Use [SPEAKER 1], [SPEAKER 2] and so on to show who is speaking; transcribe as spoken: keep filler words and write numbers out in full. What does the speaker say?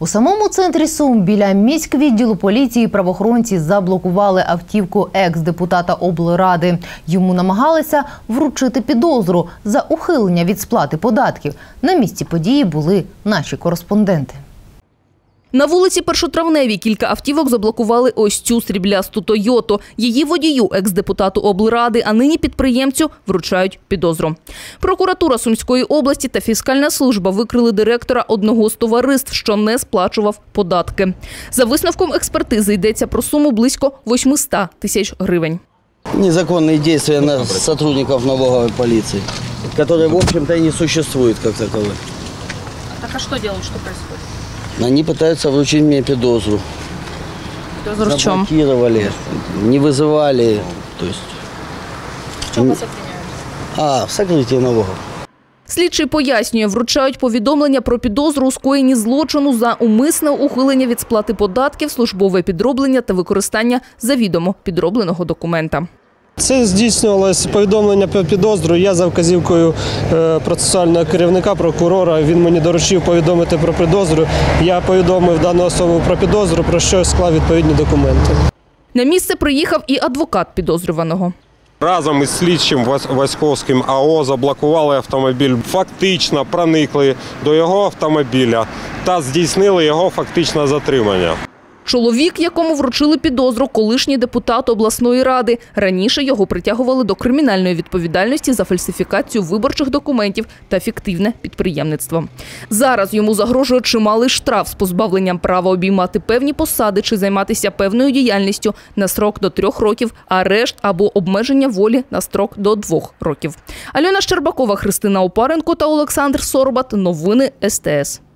[SPEAKER 1] У самому центрі Сум біля міськвідділу поліції правоохоронці заблокували автівку екс-депутата облради. Йому намагалися вручити підозру за ухилення від сплати податків. На місці події були наші кореспонденти.
[SPEAKER 2] На вулиці Першотравневій кілька автівок заблокували ось цю сріблясту «Тойоту». Її водію, екс-депутату облради, а нині підприємцю вручають підозру. Прокуратура Сумської області та фіскальна служба викрили директора одного з товариств, що не сплачував податки. За висновком експертизи йдеться про суму близько восьмисот тисяч гривень.
[SPEAKER 3] Незаконные действия сотрудников налоговой полиции, которые, в общем-то, и не существуют как таковые.
[SPEAKER 2] Так а что делают, что происходит?
[SPEAKER 3] Они пытаются вручить мне підозру.
[SPEAKER 2] Підозру в чем?
[SPEAKER 3] Заблокировали, не вызывали. То есть...
[SPEAKER 2] В чем вас обвиняют?
[SPEAKER 3] А, в сокрытии налогов.
[SPEAKER 2] Слідчий пояснює, вручають повідомлення про підозру у скоєнні злочину за умисне ухилення від сплати податків, службове підроблення та використання завідомо підробленого документа.
[SPEAKER 4] Це здійснювалося повідомлення про підозру. Я за вказівкою процесуального керівника, прокурора, він мені доручив повідомити про підозру. Я повідомив дану особу про підозру, про що склав відповідні документи.
[SPEAKER 2] На місце приїхав і адвокат підозрюваного.
[SPEAKER 5] Разом із слідчим Васьковським А О заблокували автомобіль, фактично проникли до його автомобіля та здійснили його фактичне затримання.
[SPEAKER 2] Чоловік, якому вручили підозру, колишній депутат обласної ради. Раніше його притягували до кримінальної відповідальності за фальсифікацію виборчих документів та фіктивне підприємництво. Зараз йому загрожує чималий штраф з позбавленням права обіймати певні посади чи займатися певною діяльністю на строк до трьох років, арешт або обмеження волі на строк до двох років. Альона Щербакова, Христина Опаренко та Олександр Соробат. Новини Ес Те Ес.